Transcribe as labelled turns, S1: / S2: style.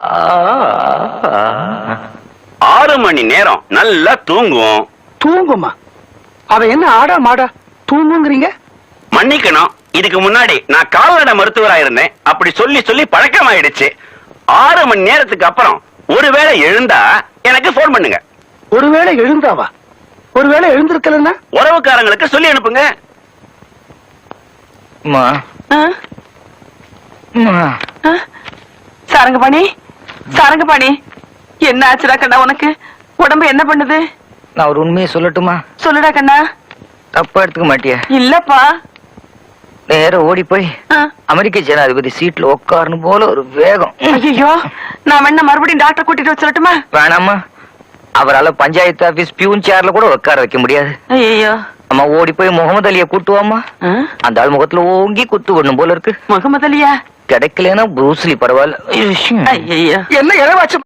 S1: 6 மணி நேரம் நல்லா தூங்கும்.
S2: தூங்குமா? அவ என்ன ஆடா மாடா தூங்குங்கிறீங்க?
S1: மன்னிக்கணும், இதுக்கு முன்னாடி நான் கால்நடை மருத்துவரா இருந்தேன். அப்படி சொல்லி சொல்லி பழக்கமாயிடுச்சு. 6 மணி நேரத்துக்கு அப்புறம் ஒருவேளை எழுந்தா எனக்கு போன் பண்ணுங்க.
S2: ஒருவேளை எழுந்தாவா? ஒருவேளை எழுந்திருக்கலன்னா
S1: உறவுக்காரங்களுக்கு சொல்லி அனுப்புங்க.
S3: சாரங்கபாணி, சாரங்கபாணி, என்ன ஆச்சுடா கண்ணா உனக்கு? உடம்பு என்ன பண்ணுது?
S4: நான் ஒரு உண்மையை சொல்லட்டுமா?
S3: சொல்லுடா கண்ணா.
S4: தப்பா எடுத்துக்க மாட்டியா?
S3: இல்லப்பா.
S4: நேரம் ஓடி போய் அமெரிக்க ஜனாதிபதி சீட்ல உட்காரணும் போல ஒரு வேகம்.
S3: ஐயோ, நான் வேணா மறுபடியும் டாக்டர் கூட்டிட்டு வர சொல்லட்டுமா?
S4: வேணாமா, அவரால பஞ்சாயத்து ஆபீஸ் பியூன் சேர்ல கூட உட்கார வைக்க முடியாது.
S3: ஐயோ,
S4: அம்மா ஓடி போய் முகமது அலிய கூட்டுவாமா. அந்த ஆள் முகத்துல ஓங்கி குத்து விடணும் போல இருக்கு.
S3: முகமது அலியா?
S4: கிடைக்கலன்னா ப்ரூஸ்லி பரவாயில்ல.
S3: ஐயோ,
S2: என்ன இளவாச்சு